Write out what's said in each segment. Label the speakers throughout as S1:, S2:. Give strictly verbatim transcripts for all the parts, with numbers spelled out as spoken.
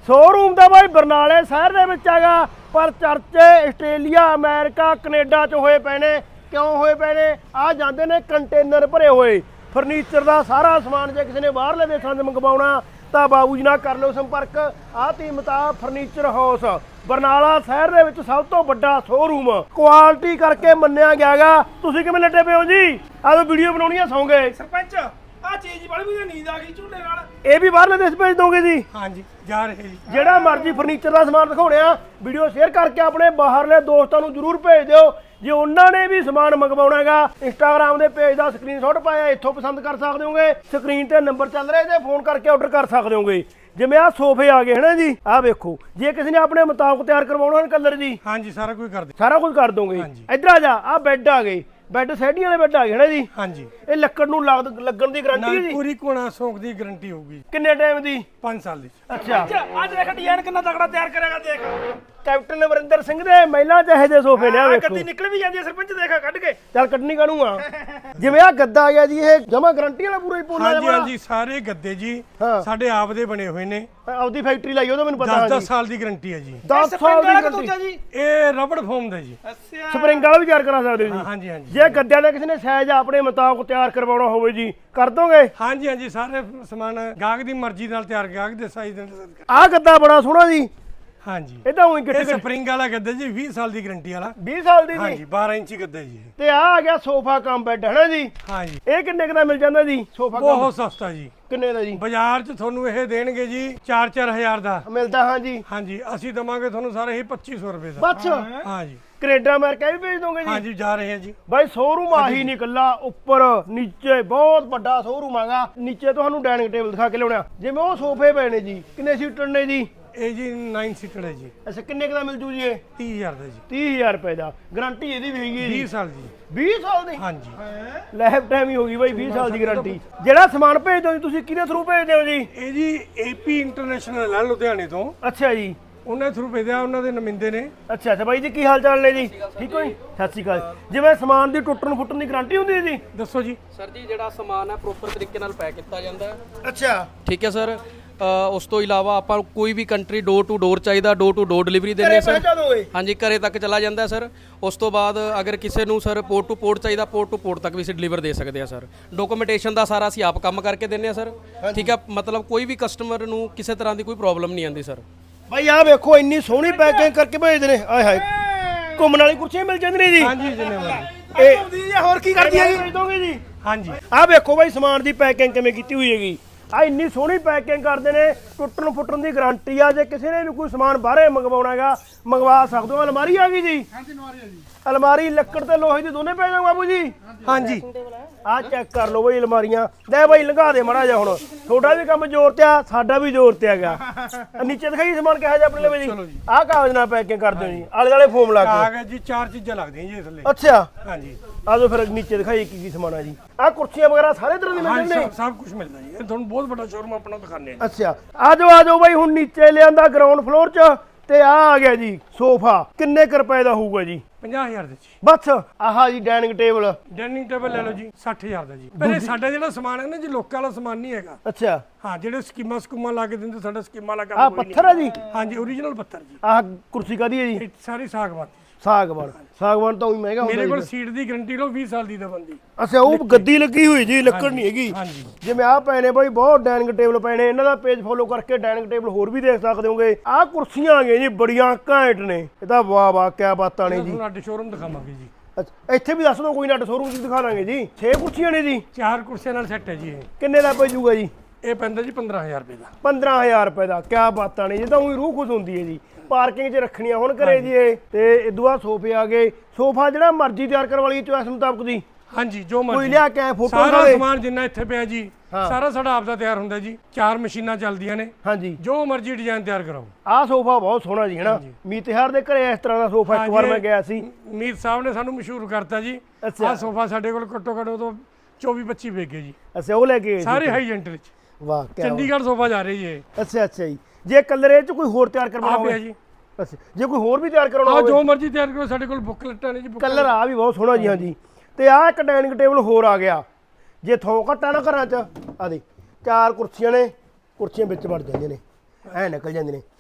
S1: Showroom ਦਾ ਬਾਈ ਬਰਨਾਲੇ ਸ਼ਹਿਰ ਦੇ ਵਿੱਚ ਹੈਗਾ, ਪਰ ਚਰਚੇ ਆਸਟ੍ਰੇਲੀਆ, ਅਮਰੀਕਾ, ਕੈਨੇਡਾ ਚ ਹੋਏ ਪਏ ਨੇ। ਕਿਉਂ ਹੋਏ ਪਏ ਨੇ? ਆ ਜਾਂਦੇ ਨੇ ਕੰਟੇਨਰ ਭਰੇ ਹੋਏ ਫਰਨੀਚਰ ਦਾ ਸਾਰਾ ਸਮਾਨ। ਜੇ ਕਿਸੇ ਨੇ ਬਾਹਰਲੇ ਦੇਸ਼ਾਂ 'ਚ ਮੰਗਵਾਉਣਾ ਤਾਂ ਬਾਬੂ ਜੀ ਨਾਲ ਕਰ ਲਿਓ ਸੰਪਰਕ। ਆਹ ਧੀਮਤਾ ਫਰਨੀਚਰ ਹਾਊਸ ਬਰਨਾਲਾ ਸ਼ਹਿਰ ਦੇ ਵਿੱਚ ਸਭ ਤੋਂ ਵੱਡਾ ਸ਼ੋਰੂਮ, ਕੁਆਲਿਟੀ ਕਰਕੇ ਮੰਨਿਆ ਗਿਆਗਾ। ਤੁਸੀਂ ਕਿਵੇਂ ਲੱਡੇ ਪਏ ਹੋ ਜੀ? ਆਹ ਵੀਡੀਓ ਬਣਾਉਣੀ ਆ, ਸੌਂਗੇ
S2: ਸਰਪੰਚ ਆ ਚੀਜ਼ ਬੜੀ ਵੀ ਨੀਂਦ ਆ ਗਈ ਝੂਲੇ ਨਾਲ।
S1: ਇਹ ਵੀ ਬਾਹਰਲੇ ਦੇਸ਼ ਭੇਜ ਦੋਗੇ ਜੀ?
S2: ਹਾਂਜੀ ਜਾ ਰਹੇ ਜੀ।
S1: ਜਿਹੜਾ ਮਰਜ਼ੀ ਫਰਨੀਚਰ ਦਾ ਸਮਾਨ ਦਿਖਾਉਣੇ ਆ, ਵੀਡੀਓ ਸ਼ੇਅਰ ਕਰਕੇ ਆਪਣੇ ਬਾਹਰਲੇ ਦੋਸਤਾਂ ਨੂੰ ਜ਼ਰੂਰ ਭੇਜ ਦਿਓ। ਜੇ ਉਹਨਾਂ ਨੇ ਵੀ ਸਮਾਨ ਮੰਗਵਾਉਣਾ ਹੈਗਾ, ਇੰਸਟਾਗ੍ਰਾਮ ਦੇ ਪੇਜ ਦਾ ਸਕਰੀਨਸ਼ਾਟ ਪਾਇਆ, ਇੱਥੋਂ ਪਸੰਦ ਕਰ ਸਕਦੇ ਹੋਗੇ। ਸਕਰੀਨ ਤੇ ਨੰਬਰ ਚੱਲ ਰਿਹਾ, ਤੇ ਫੋਨ ਕਰਕੇ ਆਰਡਰ ਕਰ ਸਕਦੇ ਹੋਗੇ। ਜਿਵੇਂ ਆਹ ਸੋਫੇ ਆ ਗਏ ਹਨਾ ਜੀ, ਆਹ ਵੇਖੋ, ਜੇ ਕਿਸੇ ਨੇ ਆਪਣੇ ਮੁਤਾਬਕ ਤਿਆਰ ਕਰਵਾਉਣਾ ਕਲਰ ਜੀ,
S2: ਹਾਂਜੀ ਸਾਰਾ ਕੁਝ ਕਰ ਦੇ,
S1: ਸਾਰਾ ਕੁਝ ਕਰ ਦੋਗੇ। ਇੱਧਰ ਆ ਜਾ, ਆਹ ਬੈੱਡ ਆ ਗਏ, ਬੈੱਡ ਸੈਡੀਆਂ ਵਾਲੇ ਬੈੱਡ ਆ ਗਏ ਹਨਾ ਜੀ।
S2: ਹਾਂਜੀ
S1: ਇਹ ਲੱਕੜ ਨੂੰ ਲੱਗ- ਲੱਗਣ ਦੀ ਗਾਰੰਟੀ ਹੈ ਜੀ?
S2: ਪੂਰੀ ਕੋਣਾ ਸੌਂਕ ਦੀ ਗਾਰੰਟੀ ਹੋਊਗੀ।
S1: ਕਿੰਨੇ ਟਾਈਮ ਦੀ?
S2: ਪੰਜ ਸਾਲ ਦੀ।
S1: ਅੱਛਾ,
S2: ਅੱਜ ਦੇਖ ਡਿਜ਼ਾਈਨ ਕਿੰਨਾ ਤਕੜਾ ਤਿਆਰ ਕਰੇਗਾ। ਦੇਖ
S1: ਕੈਪਟਨ ਅਮਰਿੰਦਰ ਸਿੰਘ ਦੇ ਮਹਿਲਾ ਚਾਹੇ ਦੇ ਸੋਫੇ ਨੇ, ਆ ਵੇਖੋ।
S2: ਕੱਤੀ ਨਿਕਲ ਵੀ ਜਾਂਦੀ ਹੈ ਸਰਪੰਚ, ਦੇਖਾ ਕੱਢ ਕੇ।
S1: ਚੱਲ ਕੱਢਣੀ ਕਾਹਨੂੰ ਜਿਵੇਂ ਆ ਗੱਦਾ ਆ ਗਿਆ ਜੀ, ਇਹ ਜਮਾ ਗਾਰੰਟੀ ਵਾਲਾ ਪੂਰਾ ਹੀ ਪੂਰਾ।
S2: ਹਾਂਜੀ ਹਾਂਜੀ ਸਾਰੇ ਗੱਦੇ ਜੀ ਸਾਡੇ ਆਪ ਦੇ ਬਣੇ ਹੋਏ ਨੇ।
S1: ਆਪਦੀ ਫੈਕਟਰੀ ਲਾਈ, ਉਹਦਾ ਮੈਨੂੰ ਪਤਾ।
S2: ਦਸ ਦਸ ਸਾਲ ਦੀ ਗਾਰੰਟੀ ਹੈ ਜੀ।
S1: ਦਸ ਸਾਲ ਦੀ ਗਾਰੰਟੀ।
S2: ਇਹ ਰਬੜ ਫੋਮ ਦਾ ਜੀ।
S1: ਅੱਛਾ, ਸਪਰਿੰਗ ਵਾਲਾ ਵੀ ਤਿਆਰ ਕਰਾ ਸਕਦੇ ਹੋ ਜੀ?
S2: ਹਾਂਜੀ ਹਾਂਜੀ।
S1: ਜੇ ਗੱਦਿਆਂ ਦਾ ਕਿਸੇ ਨੇ ਸਾਈਜ਼ ਆਪਣੇ ਮੁਤਾਬਕ ਤਿਆਰ ਕਰਵਾਉਣਾ ਹੋਵੇ ਜੀ, ਕਰ ਦੋਗੇ?
S2: ਹਾਂਜੀ ਹਾਂਜੀ ਸਾਰੇ ਸਮਾਨ ਗਾਹਕ ਦੀ ਮਰਜ਼ੀ ਨਾਲ ਤਿਆਰ, ਗਾਹਕ ਦੇ ਸਾਈਜ਼ ਦੇ।
S1: ਆਹ ਗੱਦਾ ਬੜਾ ਸੋਹਣਾ ਜੀ।
S2: ਹਾਂਜੀ
S1: ਇਹ ਤਾਂ ਉਹੀ
S2: ਇਹ ਸਪਰਿੰਗ ਵਾਲਾ ਗੱਦਾ ਜੀ, ਵੀਹ ਸਾਲ ਦੀ ਗਾਰੰਟੀ ਵਾਲਾ।
S1: ਵੀਹ ਸਾਲ ਦੀ ਜੀ?
S2: ਹਾਂਜੀ ਬਾਰਾਂ ਇੰਚੀ ਗੱਦਾ ਜੀ।
S1: ਤੇ ਆ ਆ ਗਿਆ ਸੋਫਾ ਕਮ ਬੈੱਡ ਹੈ ਨਾ ਜੀ?
S2: ਹਾਂਜੀ।
S1: ਇਹ ਕਿੰਨੇ ਕੁ ਦਾ ਮਿਲ ਜਾਂਦਾ ਜੀ ਸੋਫਾ?
S2: ਬਹੁਤ ਸਸਤਾ ਜੀ।
S1: ਕਿੰਨੇ ਦਾ ਜੀ?
S2: ਬਾਜ਼ਾਰ 'ਚ ਤੁਹਾਨੂੰ ਇਹ ਦੇਣਗੇ ਜੀ ਚਾਰ ਚਾਰ ਹਜ਼ਾਰ ਦਾ
S1: ਮਿਲਦਾ। ਹਾਂਜੀ
S2: ਹਾਂਜੀ, ਅਸੀਂ ਦਵਾਂਗੇ ਤੁਹਾਨੂੰ ਸਾਰੇ ਹੀ ਪੱਚੀ ਸੌ ਰੁਪਏ ਦਾ।
S1: ਬਸ?
S2: ਹਾਂਜੀ।
S1: ਕੈਨੇਡਾ ਅਮਰੀਕਾ ਵੀ ਭੇਜ ਦੋਗੇ ਜੀ?
S2: ਹਾਂਜੀ ਜਾ ਰਹੇ ਹਾਂ ਜੀ।
S1: ਬਾਈ ਸ਼ੋਰੂਮ ਆਹੀ ਨਹੀਂ ਕੱਲਾ, ਉੱਪਰ ਨੀਚੇ ਬਹੁਤ ਵੱਡਾ ਸ਼ੋਰੂਮ ਹੈਗਾ। ਨੀਚੇ ਤੁਹਾਨੂੰ ਡਾਈਨਿੰਗ ਟੇਬਲ ਦਿਖਾ ਕੇ ਲਿਆਉਣਾ। ਜਿਵੇਂ ਉਹ ਸੋਫੇ ਪਏ ਨੇ ਜੀ, ਕਿੰਨੇ ਸੀਟਰ ਨੇ ਜੀ?
S2: ਇਹ ਜੀ ਨੌ ਸੀਟਰ ਹੈ ਜੀ।
S1: ਅੱਛਾ, ਕਿੰਨੇ ਕੁ ਦਾ ਮਿਲ ਜੂ ਜੀ ਇਹ?
S2: ਤੀਹ ਹਜ਼ਾਰ ਦਾ ਜੀ।
S1: ਤੀਹ ਹਜ਼ਾਰ ਰੁਪਏ ਦਾ। ਗਾਰੰਟੀ ਇਹਦੀ ਵੀ ਹੈਗੀ ਹੈ ਜੀ?
S2: ਵੀਹ ਸਾਲ ਦੀ।
S1: ਵੀਹ ਸਾਲ ਦੀ?
S2: ਹਾਂਜੀ।
S1: ਲਾਈਫ ਟਾਈਮ ਹੀ ਹੋ ਗਈ ਬਾਈ, ਵੀਹ ਸਾਲ ਦੀ ਗਾਰੰਟੀ। ਜਿਹੜਾ ਸਮਾਨ ਭੇਜਦੇ ਹੋ ਜੀ ਤੁਸੀਂ, ਕਿਹਦੇ ਥਰੂ ਭੇਜਦੇ ਹੋ ਜੀ?
S2: ਇਹ ਜੀ ਏਪੀ ਇੰਟਰਨੈਸ਼ਨਲ ਹੈ ਲੁਧਿਆਣੇ ਤੋਂ।
S1: ਅੱਛਾ ਜੀ।
S2: ਉਹਨਾਂ ਥਰੂ ਭੇਜਿਆ, ਉਹਨਾਂ ਦੇ ਨੁਮਾਇੰਦੇ ਨੇ।
S1: ਅੱਛਾ ਅੱਛਾ ਬਾਈ ਜੀ, ਕੀ ਹਾਲ ਚਾਲ ਨੇ ਜੀ? ਠੀਕ ਹੋ ਜੀ? ਸਤਿ ਸ਼੍ਰੀ ਅਕਾਲ। ਜਿਵੇਂ ਸਮਾਨ ਦੀ ਟੁੱਟਣ ਫੁੱਟਣ ਦੀ ਗਾਰੰਟੀ ਹੁੰਦੀ ਹੈ ਜੀ?
S2: ਦੱਸੋ ਜੀ।
S3: ਸਰ ਜੀ ਜਿਹੜਾ ਸਮਾਨ ਹੈ ਪ੍ਰੋਪਰ ਤਰੀਕੇ ਨਾਲ ਪੈਕ ਕੀਤਾ ਜਾਂਦਾ ਹੈ।
S1: ਅੱਛਾ
S3: ਠੀਕ ਹੈ ਸਰ। ਉਸ ਤੋਂ ਇਲਾਵਾ ਆਪਾਂ ਕੋਈ ਵੀ ਕੰਟਰੀ ਡੋਰ ਟੂ ਡੋਰ ਚਾਹੀਦਾ, ਡੋਰ ਟੂ ਡੋਰ ਡਿਲੀਵਰੀ ਦਿੰਦੇ ਆ ਸਰ। ਹਾਂਜੀ ਘਰੇ ਤੱਕ ਚਲਾ ਜਾਂਦਾ ਸਰ। ਉਸ ਤੋਂ ਬਾਅਦ ਅਗਰ ਕਿਸੇ ਨੂੰ ਸਰ ਪੋਰਟ ਟੂ ਪੋਰਟ ਚਾਹੀਦਾ, ਪੋਰਟ ਟੂ ਪੋਰਟ ਤੱਕ ਵੀ ਅਸੀਂ ਡਿਲੀਵਰ ਦੇ ਸਕਦੇ ਆ ਸਰ। ਡਾਕੂਮੈਂਟੇਸ਼ਨ ਦਾ ਸਾਰਾ ਅਸੀਂ ਆਪ ਕੰਮ ਕਰਕੇ ਦਿੰਦੇ ਆ ਸਰ। ਠੀਕ ਹੈ, ਮਤਲਬ ਕੋਈ ਵੀ ਕਸਟਮਰ ਨੂੰ ਕਿਸੇ ਤਰ੍ਹਾਂ ਦੀ ਕੋਈ ਪ੍ਰੋਬਲਮ ਨਹੀਂ ਆਉਂਦੀ ਸਰ।
S1: ਬਾਈ ਆਹ ਵੇਖੋ, ਇੰਨੀ ਸੋਹਣੀ ਪੈਕਿੰਗ ਕਰਕੇ ਭੇਜਦੇ ਨੇ। ਆਏ ਹਾਏ, ਘੁੰਮਣ ਵਾਲੀ ਕੁਰਸੀਆਂ ਮਿਲ ਜਾਂਦੀਆਂ ਨੇ ਜੀ?
S2: ਹਾਂਜੀ ਜਿੰਨੇ ਵਾਲੀ।
S1: ਇਹ ਹੋਰ ਕੀ ਕਰਦੀ ਹੈ ਭੇਜ ਦੋਗੇ ਜੀ?
S2: ਹਾਂਜੀ।
S1: ਆਹ ਵੇਖੋ ਬਾਈ ਸਮਾਨ ਦੀ ਪੈਕਿੰਗ ਕਿਵੇਂ ਕੀਤੀ ਹੋਈ ਹੈਗੀ। ਆ ਇੰਨੀ ਸੋਹਣੀ ਪੈਕਿੰਗ ਕਰਦੇ ਨੇ, ਟੁੱਟਣ ਫੁੱਟਣ ਦੀ ਗਾਰੰਟੀ ਆ। ਜੇ ਕਿਸੇ ਨੇ ਵੀ ਕੋਈ ਸਮਾਨ ਬਾਹਰੇ ਮੰਗਵਾਉਣਾ ਹੈਗਾ, ਮੰਗਵਾ ਸਕਦੇ ਹੋ। ਅਲਮਾਰੀ ਆ ਗਈ ਜੀ? ਹਾਂਜੀ ਅਲਮਾਰੀ ਆ ਜੀ। ਅਲਮਾਰੀ ਲੱਕੜ ਤੇ ਲੋਹੇ ਦੀ ਦੋਨੇ ਪੈ ਜਾਣ ਬਾਬੂ ਜੀ?
S2: ਹਾਂਜੀ।
S1: ਆਹ ਚੈੱਕ ਕਰ ਲਓ ਬਈ ਅਲਮਾਰੀਆਂ। ਲੈ ਬਾਈ ਲੰਘਾ ਦੇ ਮਾੜਾ ਜਿਹਾ। ਹੁਣ ਤੁਹਾਡਾ ਵੀ ਕੰਮ ਜ਼ੋਰ ਤੇ ਆ, ਸਾਡਾ ਵੀ ਜ਼ੋਰ ਤੇ ਹੈਗਾ। ਨੀਚੇ ਦਿਖਾਈ ਸਮਾਨ ਕਿਹੋ ਜਿਹਾ ਆਪਣੇ ਲਈ ਜੀ? ਆਹ ਕਾਗਜ਼ ਨਾਲ ਪੈਕਿੰਗ ਕਰਦੇ ਹੋ ਜੀ, ਆਲੇ ਦੁਆਲੇ ਫੋਮ ਲਾ ਕੇ?
S2: ਕਾਗਜ਼ ਜੀ ਚਾਰ ਚੀਜ਼ਾਂ ਲੱਗਦੀਆਂ ਜੀ ਥੱਲੇ।
S1: ਅੱਛਾ।
S2: ਹਾਂਜੀ।
S1: ਆਜੋ ਫਿਰ ਨੀਚੇ ਦਿਖਾਈ ਕੀ ਕੀ ਸਮਾਨ ਆ ਜੀ। ਆਹ ਕੁਰਸੀਆਂ ਵਗੈਰਾ ਸਾਰੇ ਤਰ੍ਹਾਂ ਦੀ ਮਿਲ
S2: ਹਾਂਜੀ
S1: ਜਾਂਦੇ ਨੇ?
S2: ਸਭ ਕੁਝ ਮਿਲਦਾ ਜੀ। ਇਹ ਤੁਹਾਨੂੰ ਬਹੁਤ ਵੱਡਾ ਸ਼ੋਰੂਮ ਆਪਣਾ ਦਿਖਾਣੇ ਆ।
S1: ਅੱਛਾ, ਆਜੋ ਆਜੋ ਬਾਈ। ਹੁਣ ਨੀਚੇ ਲਿਆਂਦਾ ਗਰਾਊਂਡ ਫਲੋਰ 'ਚ, ਤੇ ਆ ਆ ਗਿਆ ਜੀ ਸੋਫਾ। ਕਿੰਨੇ ਕੁ ਰੁਪਏ ਦਾ ਹੋਊਗਾ ਜੀ?
S2: ਪੰਜਾਹ ਹਜ਼ਾਰ ਦੇ ਜੀ।
S1: ਬਸ ਆਹਾ ਜੀ ਡਾਈਨਿੰਗ ਟੇਬਲ।
S2: ਡਾਈਨਿੰਗ ਟੇਬਲ ਲੈ ਲਓ ਜੀ, ਸੱਠ ਹਜ਼ਾਰ ਦਾ ਜੀ। ਪਰ ਇਹ ਸਾਡਾ ਜਿਹੜਾ ਸਮਾਨ ਹੈ ਨਾ ਜੀ, ਲੋਕਾਂ ਵਾਲਾ ਸਮਾਨ ਨਹੀਂ ਹੈਗਾ।
S1: ਅੱਛਾ।
S2: ਹਾਂ, ਜਿਹੜੇ ਸਕੀਮਾਂ ਸਕੂਮਾਂ ਲਾ ਕੇ ਦਿੰਦੇ, ਸਾਡਾ ਸਕੀਮਾਂ ਲਾ ਕੇ
S1: ਆਹ ਪੱਥਰ ਆ ਜੀ?
S2: ਹਾਂਜੀ ਓਰੀਜਨਲ ਪੱਥਰ ਜੀ।
S1: ਆਹ ਕੁਰਸੀ ਕਾਦੀ ਹੈ ਜੀ?
S2: ਇਹ ਸਾਰੀ ਸਾਗਵਾਨ।
S1: ਸਾਗਵਾਨ। ਸਾਗਵਾਨ ਤਾਂ ਉਹੀ ਮਹਿੰਗਾ ਹੁੰਦਾ।
S2: ਮੇਰੇ ਕੋਲ ਸੀਟ ਦੀ ਗਾਰੰਟੀ ਲਓ, ਵੀਹ ਸਾਲ ਦੀ ਦਾ ਬੰਦੀ।
S1: ਅੱਛਾ, ਉਹ ਗੱਦੀ ਲੱਗੀ ਹੋਈ ਜੀ, ਲੱਕੜ ਨਹੀਂ ਹੈਗੀ।
S2: ਹਾਂਜੀ।
S1: ਜਿਵੇਂ ਆਹ ਪਏ ਨੇ ਬਾਈ, ਬਹੁਤ ਡਾਈਨਿੰਗ ਟੇਬਲ ਪਏ ਨੇ। ਇਹਨਾਂ ਦਾ ਪੇਜ ਫੋਲੋ ਕਰਕੇ ਡਾਈਨਿੰਗ ਟੇਬਲ ਹੋਰ ਵੀ ਦੇਖ ਸਕਦੇ ਹੋਗੇ। ਆਹ ਕੁਰਸੀਆਂ ਆ ਗਈਆਂ ਜੀ, ਬੜੀਆਂ ਘੈਂਟ ਨੇ। ਇਹ ਤਾਂ ਵਾਹ ਵਾਹ ਕਿਆ ਬਾਤਾਂ ਨੇ ਜੀ।
S2: ਤੁਹਾਨੂੰ ਅੱਡ ਸ਼ੋਰੂਮ ਦਿਖਾਵਾਂਗੇ ਜੀ।
S1: ਅੱਛਾ, ਇੱਥੇ ਵੀ ਦੱਸ ਦਿਓ ਕੋਈ ਨਾ, ਅੱਡ ਸ਼ੋਰੂਮ 'ਚ ਦਿਖਾ ਲਾਂਗੇ ਜੀ। ਛੇ ਕੁਰਸੀਆਂ ਨੇ ਜੀ?
S2: ਚਾਰ ਕੁਰਸੀਆਂ ਨਾਲ ਸੈੱਟ ਹੈ ਜੀ। ਇਹ
S1: ਕਿੰਨੇ ਦਾ ਪੈ ਜੂਗਾ ਜੀ?
S2: ਇਹ ਪੈਂਦਾ ਜੀ ਪੰਦਰਾਂ ਹਜ਼ਾਰ ਰੁਪਏ ਦਾ।
S1: ਪੰਦਰਾਂ ਹਜ਼ਾਰ ਰੁਪਏ ਦਾ? ਕਿਆ ਬਾਤਾਂ ਨੇ ਜੀ, ਤਾਂ ਉਹੀ ਰੂਹ ਖੁਸ਼ ਹੁੰਦੀ ਹੈ ਜੀ। ਪਾਰਕਿੰਗ 'ਚ ਰੱਖਣੀਆਂ ਹੁਣ ਘਰੇ ਜੀ ਇਹ। ਤੇ ਇਦੋਂ ਬਾਅਦ ਸੋਫੇ ਆ ਗਏ। ਸੋਫਾ ਜਿਹੜਾ ਮਰਜ਼ੀ ਤਿਆਰ ਕਰਵਾ ਲਈ ਚੋਇਸ ਮੁਤਾਬਕ ਜੀ?
S2: ਹਾਂਜੀ ਜੋ ਮਰਜ਼ੀ।
S1: ਕੋਈ ਲਿਆ ਕੇ ਫੋਟੋ
S2: ਸਾਰਾ ਸਮਾਨ ਜਿੰਨਾ ਇੱਥੇ ਪਿਆ ਜੀ,
S1: ਹਾਂ।
S2: ਸਾਰਾ ਸਾਡਾ ਆਪ ਦਾ ਤਿਆਰ ਹੁੰਦਾ ਜੀ। ਚਾਰ ਮਸ਼ੀਨਾਂ ਚੱਲਦੀਆਂ ਨੇ।
S1: ਹਾਂਜੀ।
S2: ਜੋ ਮਰਜ਼ੀ ਡਿਜ਼ਾਈਨ ਤਿਆਰ ਕਰਾਓ।
S1: ਆਹ ਸੋਫਾ ਬਹੁਤ ਸੋਹਣਾ ਜੀ, ਹਨਾ? ਮੀਤ ਤਿਉਹਾਰ ਦੇ ਘਰੇ ਇਸ ਤਰ੍ਹਾਂ ਦਾ ਸੋਫਾ ਇੱਕ ਵਾਰ ਮੈਂ ਗਿਆ ਸੀ।
S2: ਮੀਤ ਸਾਹਿਬ ਨੇ ਸਾਨੂੰ ਮਸ਼ਹੂਰ ਕਰਤਾ ਜੀ। ਆਹ ਸੋਫਾ ਸਾਡੇ ਕੋਲ ਘੱਟੋ ਘੱਟ ਉਦੋਂ ਚੌਵੀ ਪੱਚੀ ਵੇਚ ਗਏ ਜੀ।
S1: ਅੱਛਾ, ਉਹ ਲੈ ਕੇ
S2: ਸਾਰੇ ਹਾਈ ਜੈਂਟ ਵਿੱਚ।
S1: ਵਾਹ ਕਿਆ।
S2: ਚੰਡੀਗੜ੍ਹ ਸੋਫਾ ਜਾ ਰਹੀ ਹੈ।
S1: ਅੱਛਾ ਅੱਛਾ ਜੀ। ਜੇ ਕਲਰ ਇਹ 'ਚ ਕੋਈ ਹੋਰ ਤਿਆਰ ਕਰਵਾਉਣਾ ਹੋਵੇ ਜੀ? ਅੱਛਾ, ਜੇ ਕੋਈ ਹੋਰ ਵੀ ਤਿਆਰ ਕਰਾਉਣਾ
S2: ਆਹ
S1: ਹੋਵੇ?
S2: ਜੋ ਮਰਜ਼ੀ ਤਿਆਰ ਕਰੋ, ਸਾਡੇ ਕੋਲ ਬੁੱਕਲੈਟਾਂ ਨੇ ਜੀ।
S1: ਕਲਰ ਆ ਵੀ ਬਹੁਤ ਸੋਹਣਾ ਜੀ। ਹਾਂਜੀ। ਤੇ ਆਹ ਇੱਕ ਡਾਈਨਿੰਗ ਟੇਬਲ ਹੋਰ ਆ ਗਿਆ। ਜੇ ਥੋਂ ਘੱਟਾ ਨਾ ਘਰਾਂ 'ਚ, ਆ ਦੇ ਚਾਰ ਕੁਰਸੀਆਂ ਨੇ, ਕੁਰਸੀਆਂ ਵਿੱਚ ਵੜ ਜਾਂਦੀਆਂ ਨੇ, ਐ ਨਿਕਲ ਜਾਂਦੀਆਂ ਨੇ।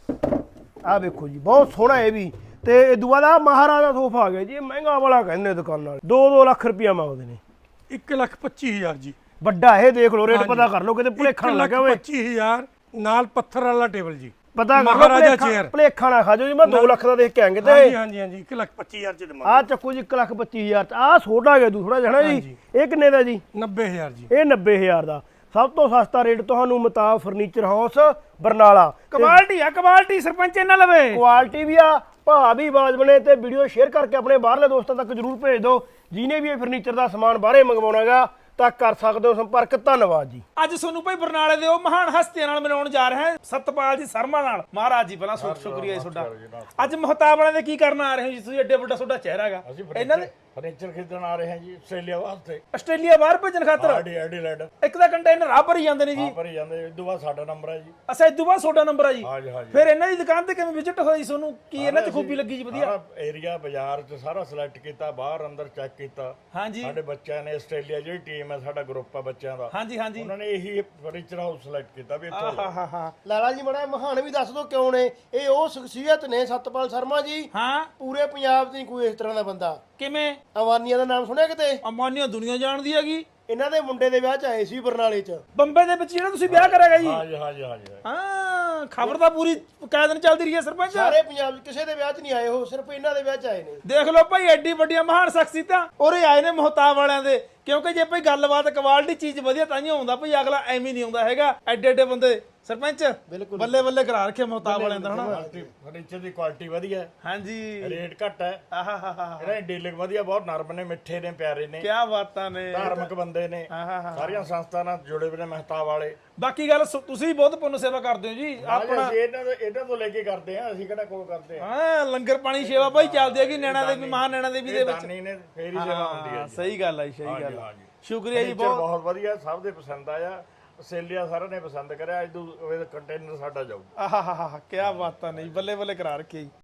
S1: ਆ ਵੇਖੋ ਜੀ ਬਹੁਤ ਸੋਹਣਾ ਇਹ ਵੀ। ਤੇ ਇਹ ਦੂਆ ਦਾ ਮਹਾਰਾਜਾ ਸੋਫਾ ਆ ਗਿਆ ਜੀ, ਇਹ ਮਹਿੰਗਾ ਵਾਲਾ ਕਹਿੰਦੇ ਦੁਕਾਨ ਵਾਲੇ, ਦੋ ਦੋ ਲੱਖ ਰੁਪਇਆ ਮੰਗਦੇ ਨੇ।
S2: ਇੱਕ ਲੱਖ ਪੱਚੀ ਹਜ਼ਾਰ ਜੀ
S1: ਵੱਡਾ ਇਹ ਦੇਖ ਲਓ, ਰੇਟ ਪਤਾ ਕਰ ਲਓ ਕਿਤੇ ਭੁਲੇਖਾ ਨਾ ਲੱਗਾ ਹੋਵੇ।
S2: ਪੱਚੀ ਹਜ਼ਾਰ ਨਾਲ ਪੱਥਰ ਵਾਲਾ ਟੇਬਲ ਜੀ,
S1: ਪਤਾ ਕਰ
S2: ਮਹਾਰਾਜਾ
S1: ਲਓ
S2: ਚੇਅਰ।
S1: ਭੁਲੇਖਾ ਨਾ ਖਾ ਜਾਓ ਜੀ, ਮੈਂ ਦੋ ਲੱਖ ਦਾ ਦੇਖ ਕੇ ਆਂਗੇ ਤੇ
S2: ਹਾਂਜੀ ਹਾਂਜੀ ਹਾਂਜੀ ਇੱਕ ਲੱਖ ਪੱਚੀ ਹਜ਼ਾਰ ਚ ਦੇਵਾਂਗੇ।
S1: ਆ ਚੱਕੋ ਜੀ ਇੱਕ ਲੱਖ ਪੱਚੀ ਹਜ਼ਾਰ ਚ। ਆ ਛੋਟਾ ਗਿਆ ਦੂਸਰਾ ਜਣਾ ਜੀ, ਇਹ ਕਿੰਨੇ ਦਾ ਜੀ?
S2: ਨੱਬੇ ਹਜ਼ਾਰ ਜੀ।
S1: ਇਹ ਨੱਬੇ ਹਜ਼ਾਰ ਦਾ। ਸਭ ਤੋਂ ਸਸਤਾ ਰੇਟ ਤੁਹਾਨੂੰ ਮੁਤਾਬ ਫਰਨੀਚਰ ਹਾਊਸ ਬਰਨਾਲਾ।
S4: ਕੁਆਲਿਟੀ ਆ ਕੁਆਲਿਟੀ ਸਰਪੰਚ ਇਹਨਾਂ ਲਵੇ।
S1: ਕੁਆਲਿਟੀ ਵੀ ਆ, ਭਾਅ ਵੀ ਬਾਜ ਬਣੇ, ਤੇ ਵੀਡੀਓ ਸ਼ੇਅਰ ਕਰਕੇ ਆਪਣੇ ਬਾਹਰਲੇ ਦੋਸਤਾਂ ਤੱਕ ਜਰੂਰ ਭੇਜ ਦਿਓ। ਜਿਹਨੇ ਵੀ ਇਹ ਫਰਨੀਚਰ ਦਾ ਸਮਾਨ ਬਾਹਰੇ ਮੰਗਵਾਉਣਾਗਾ ਤਾਂ ਕਰ ਸਕਦੇ ਹੋ ਸੰਪਰਕ। ਧੰਨਵਾਦ ਜੀ।
S4: ਅੱਜ ਤੁਹਾਨੂੰ ਭਾਈ ਬਰਨਾਲੇ ਦੇ ਉਹ ਮਹਾਨ ਹਸਤੀਆਂ ਨਾਲ ਮਿਲਾਉਣ ਜਾ ਰਹੇ ਹਾਂ, ਸਤਪਾਲ ਜੀ ਸ਼ਰਮਾ ਨਾਲ। ਮਹਾਰਾਜ ਜੀ ਪਹਿਲਾਂ ਸ਼ੁ- ਸ਼ੁਕਰੀਆ ਜੀ ਤੁਹਾਡਾ। ਅੱਜ ਮਹਤਾਬ ਵਾਲਿਆਂ ਦੇ ਕੀ ਕਰਨ ਆ ਰਹੇ ਹੋ ਜੀ ਤੁਸੀਂ? ਐਡੇ ਵੱਡਾ ਤੁਹਾਡਾ ਚਿਹਰਾ ਹੈਗਾ। ਇਹਨਾਂ ਦੇ
S5: ਫਰਨੀਚਰ ਖਰੀਦਣ ਆ ਰਹੇ ਹਾਂ ਜੀ ਆਸਟ੍ਰੇਲੀਆ ਵਾਸਤੇ।
S4: ਆਸਟ੍ਰੇਲੀਆ ਬਾਹਰ ਭੇਜਣ ਖਾਤਰ
S5: ਆਡੀ ਐਡੀਲੈਂਡ
S4: ਇੱਕ ਤਾਂ ਕੰਟੇਨਰ ਆ ਭਰੀ ਜਾਂਦੇ ਨੇ ਜੀ।
S5: ਭਰੀ ਜਾਂਦੇ, ਇਦੋਂ ਬਾਅਦ ਸਾਡਾ ਨੰਬਰ ਹੈ ਜੀ।
S4: ਅੱਛਾ ਇਦੋਂ ਬਾਅਦ ਤੁਹਾਡਾ ਨੰਬਰ ਆ ਜੀ।
S5: ਹਾਂਜੀ ਹਾਂਜੀ।
S4: ਫਿਰ ਇਹਨਾਂ ਦੀ ਦੁਕਾਨ ਤੇ ਕਿਵੇਂ ਵਿਜ਼ਿਟ ਹੋਈ ਤੁਹਾਨੂੰ? ਕੀ ਇਹਨਾਂ 'ਚ ਖੂਬੀ ਲੱਗੀ ਜੀ ਵਧੀਆ?
S5: ਸਾਰਾ ਏਰੀਆ ਬਾਜ਼ਾਰ ਚ ਸਾਰਾ ਸਿਲੈਕਟ ਕੀਤਾ, ਬਾਹਰ ਅੰਦਰ ਚੈੱਕ ਕੀਤਾ।
S4: ਹਾਂਜੀ
S5: ਸਾਡੇ ਬੱਚਿਆਂ ਨੇ ਆਸਟ੍ਰੇਲੀਆ ਜਿਹੜੀ ਟੀਮ ਹੈ, ਸਾਡਾ ਗਰੁੱਪ ਆ ਬੱਚਿਆਂ ਦਾ,
S4: ਹਾਂਜੀ ਹਾਂਜੀ।
S5: ਉਹਨਾਂ ਨੇ ਇਹੀ ਫਰਨੀਚਰ ਹਾਊਸ ਸਿਲੈਕਟ ਕੀਤਾ ਵੀ ਇੱਥੋਂ
S4: ਹਾਂ ਹਾਂ ਹਾਂ
S1: ਲਾਲਾ ਜੀ ਮੜਾ ਮਹਾਨ ਵੀ ਦੱਸ ਦਿਓ ਕਿਉਂ ਨੇ ਇਹ? ਉਹ ਸ਼ਖਸੀਅਤ ਨੇ ਸਤਪਾਲ ਸ਼ਰਮਾ ਜੀ,
S4: ਹਾਂ।
S1: ਪੂਰੇ ਪੰਜਾਬ 'ਚ ਨਹੀਂ ਕੋਈ ਇਸ ਤਰ੍ਹਾਂ ਦਾ ਬੰਦਾ।
S4: ਕਿਵੇਂ?
S1: ਅਵਾਨੀਆਂ ਦਾ ਨਾਮ ਸੁਣਿਆ ਕਿਤੇ?
S4: ਅਮਾਨੀਆਂ ਦੁਨੀਆ ਜਾਣਦੀ ਹੈਗੀ।
S1: ਇਹਨਾਂ ਦੇ ਮੁੰਡੇ ਦੇ ਵਿਆਹ 'ਚ ਆਏ ਸੀ ਬਰਨਾਲੇ 'ਚ।
S4: ਬੰਬੇ ਦੇ ਵਿੱਚ ਜਿਹੜਾ ਤੁਸੀਂ ਵਿਆਹ ਕਰਾਂਗਾ ਜੀ।
S5: ਹਾਂਜੀ ਹਾਂਜੀ ਹਾਂਜੀ।
S4: ਹਾਂ ਖਬਰ ਤਾਂ ਪੂਰੀ ਕਾਇਦਨ ਚੱਲਦੀ ਰਹੀ ਹੈ ਸਰਪੰਚ।
S1: ਸਾਰੇ ਪੰਜਾਬ 'ਚ ਕਿਸੇ ਦੇ ਵਿਆਹ 'ਚ ਨਹੀਂ ਆਏ, ਉਹ ਸਿਰਫ ਇਹਨਾਂ ਦੇ ਵਿਆਹ 'ਚ ਆਏ ਨੇ।
S4: ਦੇਖ ਲਓ ਭਾਈ ਐਡੀ ਵੱਡੀਆਂ ਮਹਾਨ ਸ਼ਖਸੀਅਤਾਂ ਉਰੇ ਆਏ ਨੇ ਮਹਤਾਬ ਵਾਲਿਆਂ ਦੇ। ਕਿਉਂਕਿ ਜੇ ਭਾਈ ਗੱਲਬਾਤ ਕੁਆਲਿਟੀ ਚੀਜ਼ ਵਧੀਆ ਤਾਂ ਹੀ ਆਉਂਦਾ ਭਾਈ, ਅਗਲਾ ਐਵੇਂ ਨਹੀਂ ਆਉਂਦਾ ਹੈਗਾ। ਐਡੇ ਐਡੇ ਬੰਦੇ ਸਰਪੰਚ ਬੱਲੇ ਬੱਲੇ ਕਰਾ ਰੱਖੇ ਮਹਤਾਬ ਵਾਲਿਆਂ ਦਾ ਹਨਾ।
S5: ਫਰਨੀਚਰ ਦੀ ਕੁਆਲਿਟੀ ਵਧੀਆ ਹੈ,
S4: ਹਾਂਜੀ।
S5: ਰੇਟ ਘੱਟ ਹੈ।
S4: ਆਹਾਹਾਹਾ
S5: ਇਹਨਾਂ ਦੀ ਡੀਲਿੰਗ ਵਧੀਆ, ਬਹੁਤ ਨਰਮ ਨੇ, ਮਿੱਠੇ ਨੇ, ਪਿਆਰੇ ਨੇ,
S4: ਕੀ ਬਾਤਾਂ ਨੇ।
S5: ਧਾਰਮਿਕ ਬੰਦੇ ਨੇ, ਸਾਰੀਆਂ ਸੰਸਥਾ ਨਾਲ ਜੁੜੇ ਹੋਏ ਨੇ ਮਹਿਤਾਬ ਵਾਲੇ।
S4: ਬਾਕੀ ਗੱਲ ਸੁ- ਤੁਸੀਂ ਬਹੁਤ ਪੁੰਨ ਸੇਵਾ ਕਰਦੇ ਹੋ ਜੀ।
S5: ਆਪਣਾ ਅਸੀਂ ਇਹਨਾਂ ਤੋਂ ਇਹਨਾਂ ਤੋਂ ਲੈ ਕੇ ਕਰਦੇ ਆ, ਅਸੀਂ ਕਿਹੜਾ ਕੋਈ ਕਰਦੇ ਆ।
S4: ਹਾਂ ਲੰਗਰ ਪਾਣੀ ਸੇਵਾ ਭਾਈ ਚੱਲਦੀ ਹੈਗੀ ਨੈਣਾ ਦੇ ਵੀ, ਮਹਾਨ ਨੈਣਾ ਦੇਵੀ ਦੇ ਵਿੱਚ।
S5: ਦਾਨੀ ਨੇ ਫੇਰ ਹੀ ਸੇਵਾ ਹੁੰਦੀ ਹੈ
S4: ਹਾਂ
S5: ਜੀ।
S4: ਸਹੀ ਗੱਲ ਹੈ ਜੀ, ਸਹੀ ਗੱਲ ਹੈ।
S5: ਹਾਂਜੀ।
S4: ਸ਼ੁਕਰੀਆ ਜੀ
S5: ਫਰਨੀਚਰ
S4: ਬਹੁਤ।
S5: ਬਹੁਤ ਵਧੀਆ, ਸਭ ਦੇ ਪਸੰਦ ਆਇਆ। ਆਸਟ੍ਰੇਲੀਆ ਸਾਰਿਆਂ ਨੇ ਪਸੰਦ ਕਰਿਆ। ਅੱਜ ਤੋਂ ਕੰਟੇਨਰ ਸਾਡਾ ਜਾਊ।
S4: ਆਹਾਹਾਹਾ ਕੀ ਬਾਤਾਂ ਨੇ ਜੀ, ਬੱਲੇ ਬੱਲੇ ਕਰਾ ਰੱਖੇ ਜੀ।